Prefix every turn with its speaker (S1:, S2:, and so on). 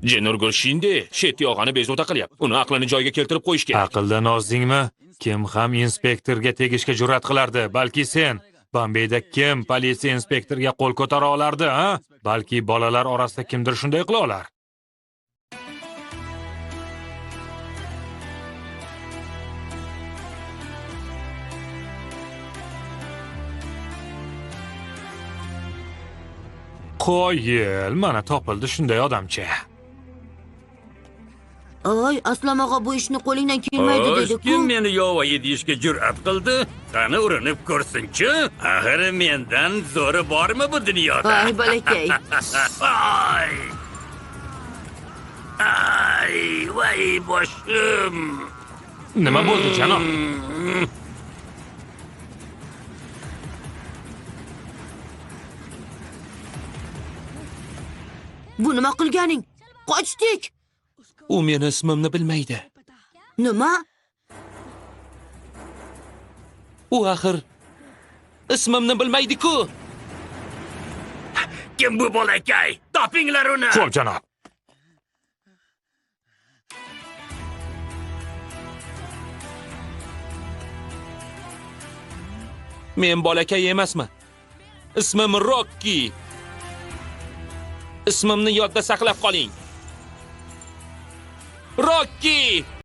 S1: Jenurgul Shinde shet yog'ani bezovta qilyapti. Uni aqlini joyiga keltirib qo'yish kerak.
S2: Aqldan ozdingmi? Kim ham inspektorga tegishga jur'at qilardi? Balki sen. Bombeyda kim politsiya inspektoriga qo'l ko'tara olardi, ha? Balki bolalar orasida kimdir shunday qila olar. Qo'yil, mana topildi shunday odamcha.
S3: Oy, Aslom og'a bu ishni qo'lingdan kelmaydi dedi-ku.
S4: Kim meni yovoyi deyishga jur'at qildi? Qani urinib ko'rsin-chi? Axir mendan zo'ri bormi bu dunyoda?
S3: Ay, balakay.
S4: Ay! Ay, voy boshim.
S2: Nima bo'ldi, janob?
S3: Bu nima qilganing? Qochdik.
S1: U meni ismimni bilmaydi.
S3: Nima?
S1: U axir ismimni bilmaydi-ku.
S4: Kim bu bolakay? Topinglar uni.
S2: Xo'p, janob.
S1: Men bolakay emasman. Ismim Rocky. Ismimni yodda saqlab qoling. Rocky!